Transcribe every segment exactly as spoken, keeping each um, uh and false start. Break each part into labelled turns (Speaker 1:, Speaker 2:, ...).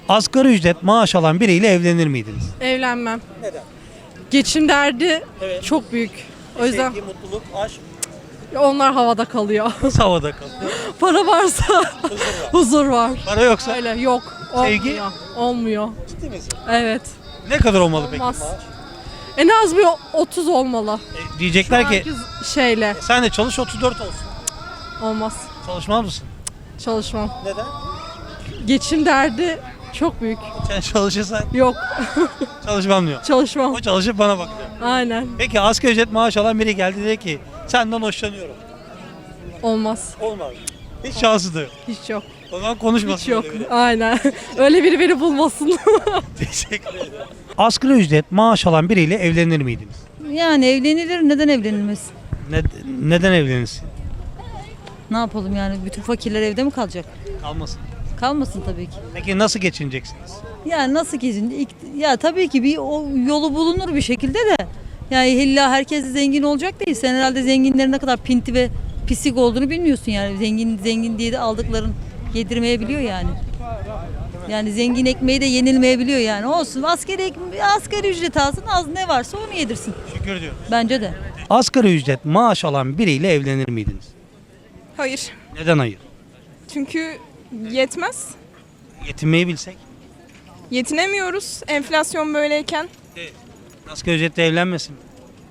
Speaker 1: Asgari ücret maaş alan biriyle evlenir miydiniz?
Speaker 2: Evlenmem.
Speaker 1: Neden?
Speaker 2: Geçim derdi
Speaker 1: Evet.
Speaker 2: çok büyük. O yüzden
Speaker 1: Sevgi, mutluluk, aşk
Speaker 2: onlar havada kalıyor.
Speaker 1: havada kalıyor.
Speaker 2: Para varsa huzur var.
Speaker 1: Para yoksa
Speaker 2: Öyle yok.
Speaker 1: Sevgi?
Speaker 2: Olmuyor. Olmuyor.
Speaker 1: ciddi misin?
Speaker 2: Evet.
Speaker 1: Ne kadar olmalı peki
Speaker 2: Olmaz.
Speaker 1: maaş?
Speaker 2: En az bir otuz olmalı.
Speaker 1: E, diyecekler ki
Speaker 2: Herkes şeyle
Speaker 1: sen de çalış otuz dört olsun.
Speaker 2: olmaz.
Speaker 1: Çalışmaz mısın?
Speaker 2: Çalışmam.
Speaker 1: Neden?
Speaker 2: Geçim derdi çok büyük.
Speaker 1: Sen çalışırsan
Speaker 2: Yok.
Speaker 1: çalışmam diyor.
Speaker 2: Çalışmam.
Speaker 1: O çalışıp bana bakıyor.
Speaker 2: Aynen.
Speaker 1: Peki asgari ücret maaş alan biri geldi dedi ki senden hoşlanıyorum.
Speaker 2: Olmaz.
Speaker 1: Olmaz. Hiç şansı da yok.
Speaker 2: Hiç yok.
Speaker 1: O zaman konuşmasın.
Speaker 2: Hiç yok.
Speaker 1: öyle biri.
Speaker 2: Aynen. Öyle biri beni bulmasın.
Speaker 1: Teşekkür ederim. Asgari ücret maaş alan biriyle evlenir miydiniz?
Speaker 3: Yani evlenilir, neden evlenilmez?
Speaker 1: Ne, neden evlenirsin?
Speaker 3: Ne yapalım yani, bütün fakirler evde mi kalacak?
Speaker 1: Kalmasın.
Speaker 3: Kalmasın tabii ki.
Speaker 1: Peki nasıl geçineceksiniz?
Speaker 3: Yani nasıl ki, ya tabii ki bir o yolu bulunur bir şekilde de. Yani illa herkes de zengin olacak değil. Sen herhalde zenginlerin ne kadar pinti ve pislik olduğunu bilmiyorsun yani. Zengin zengin diye de aldıkların yedirmeyebiliyor yani. Yani zengin ekmeği de yenilmeyebiliyor yani. Olsun, asgari, ek- asgari ücret alsın, az ne varsa onu yedirsin.
Speaker 1: Şükür diyorum.
Speaker 3: Bence de.
Speaker 1: Asgari ücret maaş alan biriyle evlenir miydiniz?
Speaker 4: Hayır.
Speaker 1: Neden hayır?
Speaker 4: Çünkü yetmez.
Speaker 1: Yetinmeyi bilsek.
Speaker 4: Yetinemiyoruz enflasyon böyleyken.
Speaker 1: Asgari ücretle evlenmesin mi?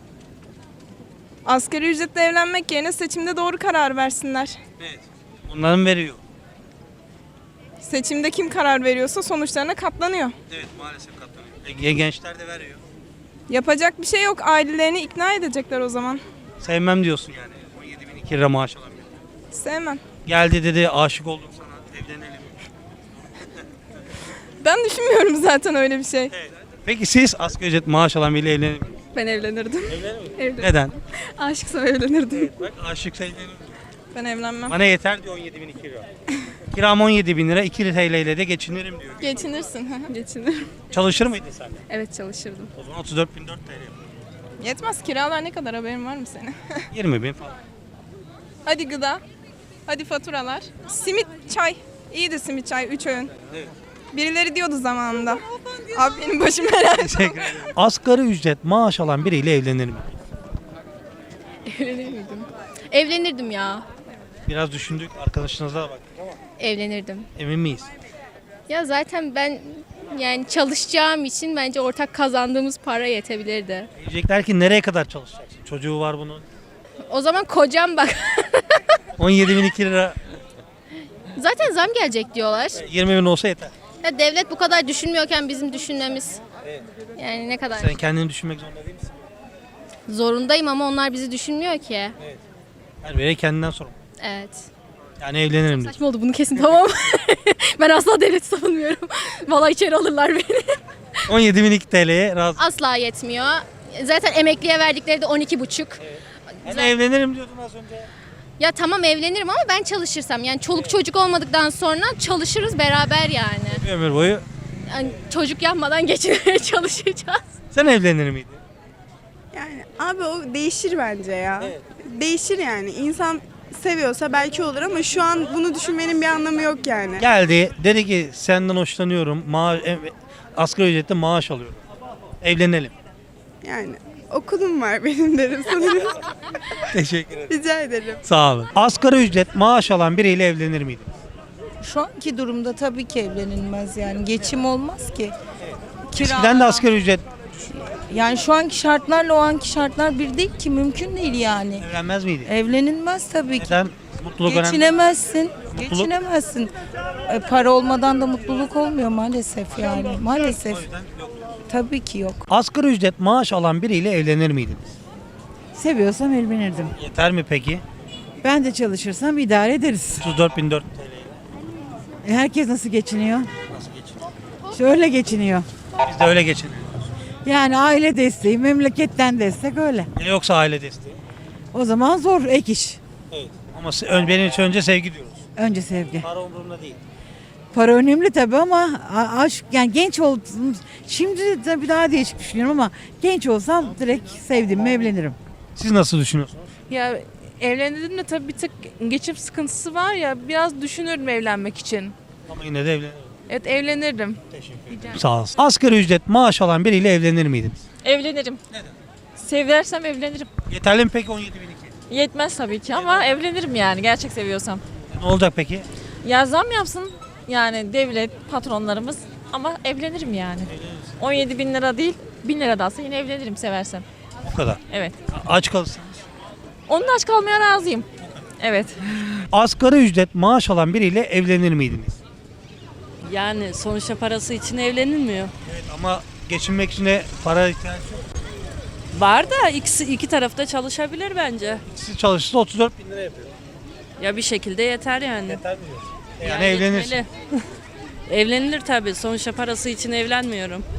Speaker 4: Asgari ücretle evlenmek yerine seçimde doğru karar versinler.
Speaker 1: Evet. Onların veriyor.
Speaker 4: Seçimde kim karar veriyorsa sonuçlarına katlanıyor.
Speaker 1: Evet maalesef katlanıyor. E, gençler de veriyor.
Speaker 4: Yapacak bir şey yok. Ailelerini ikna edecekler o zaman.
Speaker 1: Sevmem diyorsun yani. on yedi bin iki lira maaş alan biri.
Speaker 4: Sevmem.
Speaker 1: Geldi dedi aşık oldum sana evlenelim.
Speaker 4: Ben düşünmüyorum zaten öyle bir şey.
Speaker 1: Peki siz asgari ücret maaş alan biriyle evlenir misiniz?
Speaker 4: Ben evlenirdim. Evlen.
Speaker 1: Neden?
Speaker 4: Aşıksam evlenirdim.
Speaker 1: Bak aşıksa evlenir.
Speaker 4: Ben evlenmem.
Speaker 1: Bana yeter diyor on yedi bin iki lira. Kiram on yedi bin lira iki T L ile de geçinirim diyor.
Speaker 4: Geçinirsin. Geçinirim.
Speaker 1: Çalışır mıydın sen de?
Speaker 4: Evet çalışırdım.
Speaker 1: O zaman otuz dört bin dört T L.
Speaker 4: Yetmez. Kiralar ne kadar, haberin var mı senin?
Speaker 1: yirmi bin falan.
Speaker 4: Hadi gıda. Hadi faturalar. Simit, çay. İyiydi simit, çay. Üç öğün.
Speaker 1: Evet.
Speaker 4: Birileri diyordu zamanında. Abi benim başım herhalde.
Speaker 1: Teşekkür ederim. Asgari ücret maaş alan biriyle evlenir mi?
Speaker 5: Evlenir miydim? Evlenirdim ya.
Speaker 1: Biraz düşündük arkadaşınıza da bak.
Speaker 5: Evlenirdim.
Speaker 1: Emin miyiz?
Speaker 5: Ya zaten ben yani çalışacağım için bence ortak kazandığımız para yetebilirdi.
Speaker 1: Diyecekler ki nereye kadar çalışacaksın? Çocuğu var bunun.
Speaker 5: O zaman kocam bak.
Speaker 1: on yedi bin iki lira
Speaker 5: Zaten zam gelecek diyorlar.
Speaker 1: yirmi bin olsa yeter.
Speaker 5: Ya devlet bu kadar düşünmüyorken bizim düşünmemiz. Yani ne kadar
Speaker 1: Sen kendini düşünmek zorunda değil misin?
Speaker 5: zorundayım ama onlar bizi düşünmüyor ki.
Speaker 1: Her biri kendinden sorumlu.
Speaker 5: Evet.
Speaker 1: Yani evlenirim diyor.
Speaker 5: Saçma oldu, bunu kesin tamam. Ben asla devleti savunmuyorum. Vallahi içeri alırlar beni.
Speaker 1: on yedi bin iki T L'ye razı.
Speaker 5: Asla yetmiyor. Zaten emekliye verdikleri de on iki buçuk.
Speaker 1: Hani evlenirim diyordun az önce.
Speaker 5: Ya tamam evlenirim ama ben çalışırsam, yani çoluk çocuk olmadıktan sonra çalışırız beraber yani.
Speaker 1: Bir ömür boyu.
Speaker 5: Yani çocuk yapmadan geçinmeye çalışacağız.
Speaker 1: Sen evlenir miydin?
Speaker 6: Yani abi o değişir bence ya. Değişir yani. İnsan seviyorsa belki olur ama şu an bunu düşünmenin bir anlamı yok yani.
Speaker 1: Geldi dedi ki senden hoşlanıyorum. Ma e- asgari ücretle maaş alıyorum. Evlenelim.
Speaker 6: Yani okulum var benim derim sanırım.
Speaker 1: Teşekkür ederim.
Speaker 6: Rica ederim.
Speaker 1: Sağ olun. Asgari ücret maaş alan biriyle evlenir miydin?
Speaker 7: Şu anki durumda tabii ki evlenilmez yani. Geçim olmaz ki.
Speaker 1: Eskiden de asgari ücret
Speaker 7: Yani şu anki şartlarla o anki şartlar bir değil ki, mümkün değil yani.
Speaker 1: evlenmez miydi?
Speaker 7: Evlenilmez tabii ki.
Speaker 1: Neden? Mutluluk önemli.
Speaker 7: Geçinemezsin.
Speaker 1: Mutluluk?
Speaker 7: Geçinemezsin. E, para olmadan da mutluluk olmuyor maalesef yani. Maalesef. Tabii ki yok.
Speaker 1: Asgari ücret maaş alan biriyle evlenir miydiniz?
Speaker 8: Seviyorsam evlenirdim.
Speaker 1: Yeter mi peki?
Speaker 8: Ben de çalışırsam idare ederiz.
Speaker 1: otuz dört bin dört T L.
Speaker 8: E, herkes nasıl geçiniyor?
Speaker 1: Nasıl geçiniyor?
Speaker 8: Şöyle geçiniyor.
Speaker 1: Biz de öyle geçiniyoruz.
Speaker 8: Yani aile desteği, memleketten destek öyle.
Speaker 1: Ne yoksa aile desteği.
Speaker 8: O zaman zor ek iş.
Speaker 1: Evet. Ama se- ön- benim için önce sevgi diyoruz.
Speaker 8: Önce sevgi.
Speaker 1: Para umurumda değil.
Speaker 8: Para önemli tabii ama a- aşk, yani genç oldum. Şimdi tabii daha değişik düşünüyorum ama genç olsam direkt sevdiğimle evlenirim.
Speaker 1: Siz nasıl düşünüyorsunuz?
Speaker 2: Ya evlendim de tabii bir tık geçim sıkıntısı var ya, biraz düşünürüm evlenmek için.
Speaker 1: Ama yine de evlenirim.
Speaker 2: Evet evlenirdim.
Speaker 1: Sağ olsun. Asgari ücret maaş alan biriyle evlenir miydiniz?
Speaker 9: Evlenirim. Neden? Seversem evlenirim.
Speaker 1: Yeterli mi peki on yedi bin iki?
Speaker 9: Yetmez tabii ki ama evlenirim yani gerçek seviyorsam.
Speaker 1: Ne olacak peki?
Speaker 9: Ya zam yapsın yani devlet, patronlarımız ama evlenirim yani. on yedi bin lira değil, bin lira da alsa yine evlenirim seversem.
Speaker 1: O kadar.
Speaker 9: Evet.
Speaker 1: Aç kalırsanız.
Speaker 9: Onun aç kalmaya razıyım. Evet.
Speaker 1: Asgari ücret maaş alan biriyle evlenir miydiniz?
Speaker 10: Yani sonuçta parası için evlenilmiyor.
Speaker 1: Evet ama geçinmek için de para ihtiyaç yok.
Speaker 10: Var da ikisi iki tarafta çalışabilir bence.
Speaker 1: Siz çalışırsa otuz dört bin lira yapıyor.
Speaker 10: Ya bir şekilde yeter yani.
Speaker 1: Yeter mi diyorsun? Yani,
Speaker 10: Yani
Speaker 1: evlenirsin.
Speaker 10: yetmeli. Evlenilir tabii. Sonuçta parası için evlenmiyorum.